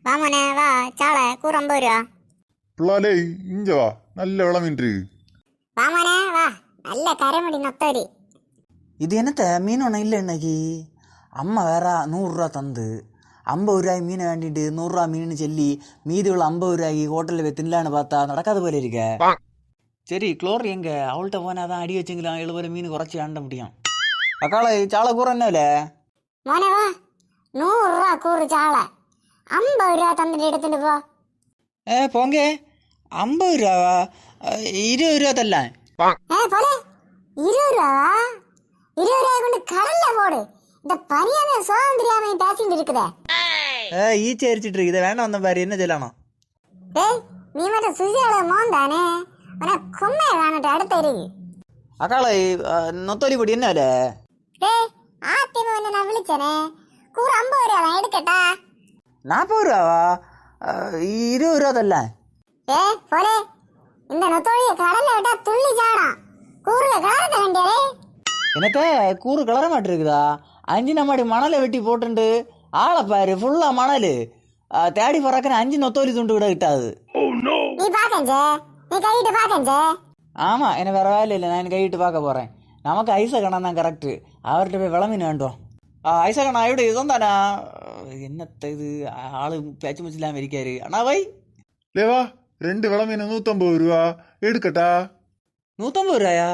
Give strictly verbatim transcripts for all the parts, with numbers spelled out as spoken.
வாமனே வா சாலை கூறு ஐம்பது ரூபா. பிள்ளாலே இங்க வா, நல்ல விளமின்று. வாமனே வா, நல்ல கரைமுடி நொத்தரி. இது என்னத்த மீன் ஒன்றும் இல்லை இன்னைக்கு. அம்மா வேற நூறுரூவா தந்து ஐம்பது ரூபாய்க்கு மீனை வேண்டிட்டு நூறுரூவா மீன் சொல்லி மீதி உள்ள ஐம்பது ரூபாய்க்கு ஹோட்டலில் போய் தின்னலான்னு பார்த்தா நடக்காத போல இருக்க. சரி குளோர் எங்க அவள்கிட்ட போனால் தான் அடி வச்சுங்களாம் எழுபது மீன் குறைச்சி ஆண்ட முடியும். அக்காளை சாலை கூற என்ன இல்லை மோனே வா, நூறுரூவா கூறு சாலை, ஐம்பது ரூபா தந்துட்டு எடுத்துட்டு போ. ஏ போங்க, ஐம்பது ரூபாவா? இருபது ரூபா தரலாம். ஏ போல, இருபது ரூபாவா? இருபது ரூபாய் கொண்டு கடல்ல போடு. இந்த பனியாமே சோகம் தெரியாம பேசிட்டு இருக்குதே. ஏ ஈச்சி அரிச்சிட்டு இருக்குது, வேண்டாம் வந்த பாரு என்ன சொல்லணும். ஏய் நீ மட்டும் சுசியோட மோன் தானே, உனக்கு கொம்மையை காணட்டு அடுத்த இருக்கு. அக்காளை நொத்தோலி பொடி என்ன இல்லை? ஏய் ஆத்தியமா வந்து நான் விழிச்சனே, கூறு ஐம்பது ரூபா தான் எடுக்கட்டா. நாற்பது ரூபாவா? இருபது ரூபா தரல. ஏ போலே, இந்த நொத்தோழிய கடல்ல விட்டா துள்ளி சாடாம், கூறுல கலரத வேண்டியரே. என்னத்த கூறு கலர மாட்டிருக்குதா? அஞ்சு நம்மாடி மணலை வெட்டி போட்டுண்டு ஆளை பாரு ஃபுல்லா மணல் தேடி பறக்கிற அஞ்சு நொத்தோலி துண்டு விட கிட்டாது. நீ பாக்கஞ்சே, நீ கையிட்டு பாக்கஞ்சே. ஆமா, எனக்கு வேற வேலை இல்லை, நான் கையிட்டு பார்க்க போறேன். நமக்கு ஐசகணம் தான் கரெக்டு, அவர்கிட்ட போய் விளம்பின்னு வேண்டும். ஐசகண்ணா எப்படி இதுவும் தானா? என்னத்த இது ஆளு பேச்சு முச்சு இல்லாம இருக்காரு. அண்ணா வை லேவா, ரெண்டு விளமீன நூத்தம்பது ரூபா எடுக்கட்டா. நூற்றம்பது ரூபாயா?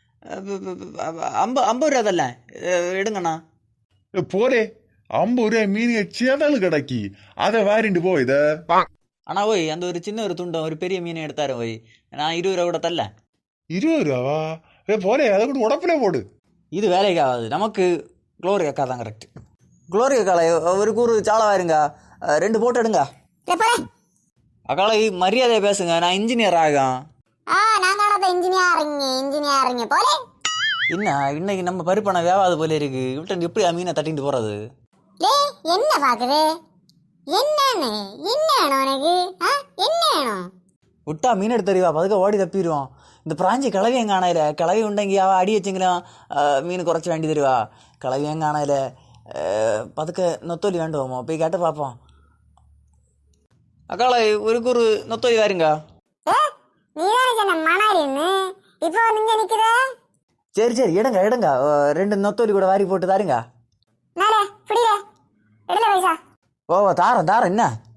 ஐம்பது ஐம்பது ரூபா தரல, எடுங்கண்ணா. போலே, ஐம்பது ரூபாய் மீன் சேதாளு கிடக்கி, அதை வாரிண்டு போ. இத அண்ணா ஓய், அந்த ஒரு சின்ன ஒரு துண்டம் ஒரு பெரிய மீனை எடுத்தாரு ஓய், நான் இருபது ரூபா கூட தரல. இருபது ரூபாவா? ஏ போலே, அதை கூட உடப்புல போடு. இது வேலைக்கு ஆகாது, நமக்கு குளோரி அக்கா தான் கரெக்ட். குளோரி அக்காலை ஒரு கூறு சாலை வாருங்க, ரெண்டு போட்டு எடுங்க. அக்காலை மரியாதையை பேசுங்க, நான் இன்ஜினியர் ஆகும். ஆ நான் காணாத இன்ஜினியரிங் இன்ஜினியரிங் போலே. என்ன இன்னைக்கு நம்ம பருப்பண வேவாது போல இருக்கு, விட்டு எப்படி மீனை தட்டிட்டு போறது? லே என்ன பாக்குது, என்னன்னு என்ன வேணும் உனக்கு? என்ன வேணும்? விட்டா மீன் எடுத்து தருவா, பதுக்க ஓடி தப்பிடுவோம். இந்த பிராஞ்சி கிளவியும் காணையில, கிளவி உண்டங்கி அவள் அடி வச்சுங்களாம் மீன் குறைச்சி வேண்டி தருவா. கிளவியும் காணையில, பதுக்க நொத்தோலி வேண்டுவோமோ, போய் கேட்டு பார்ப்போம். அக்காளை ஒரு கூறு நொத்தோலி வாருங்க. இப்போ நீங்க நிக்கிற. சரி சரி எடுங்க எடுங்க, ரெண்டு நொத்தோலி கூட வாரி போட்டு தாருங்க. ஓ தாரம் தாரம் என்ன